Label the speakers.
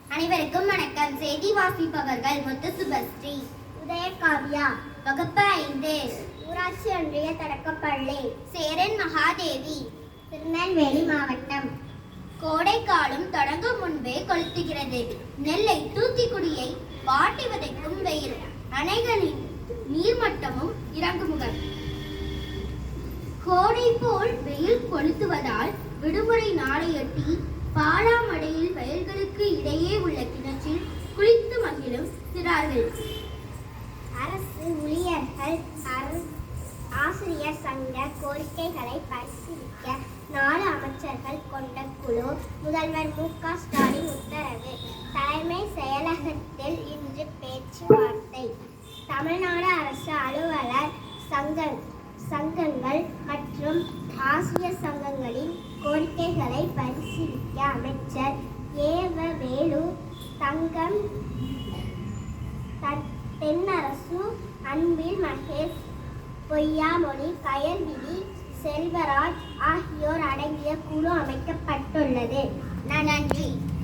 Speaker 1: அனைவருக்கும் வணக்கம். செய்தி வாசிப்பவர்கள் முத்து சுபஸ்ரீ,
Speaker 2: உதயகாவியா.
Speaker 1: வகுப்பு 5,
Speaker 2: ஊராட்சி ஒன்றிய தொடக்கப்பள்ளி,
Speaker 1: சேரன் மகாதேவி,
Speaker 2: திருநெல்வேலி மாவட்டம்.
Speaker 1: கோடை காலம் தொடங்கும் முன்பே கொளுத்துகிறது. நெல்லை தூத்துக்குடியை வாட்டி வதைக்கும் வெயில். அணைகளின் நீர்மட்டமும் இறங்குமுகம். கோடை போல் வெயில் கொளுத்துவதால் விடுமுறை நாளையொட்டி பாலாமடையில் வயல்களுக்கு இடையே உள்ள கிணற்றில் குளித்து மகிழும் சிறார்கள்.
Speaker 2: அரசு ஊழியர்கள் ஆசிரியர் சங்க கோரிக்கைகளை பரிசீலிக்க 4 அமைச்சர்கள் கொண்ட குழு. முதல்வர் மு.க. ஸ்டாலின் உத்தரவு. தலைமை செயலகத்தில் இன்று பேச்சுவார்த்தை. தமிழ்நாடு அரசு அலுவலர் சங்கங்கள் மற்றும் ஆசிரியர் சங்கங்களின் கோரிக்கைகளை பரிசீலிக்க அமைச்சர் வேலு தங்கம், தென்னரசு, அன்பில் மகேஷ், பொய்யாமொழி, கயல்விழி, செல்வராஜ் ஆகியோர் அடங்கிய குழு அமைக்கப்பட்டுள்ளது.
Speaker 1: நன்றி.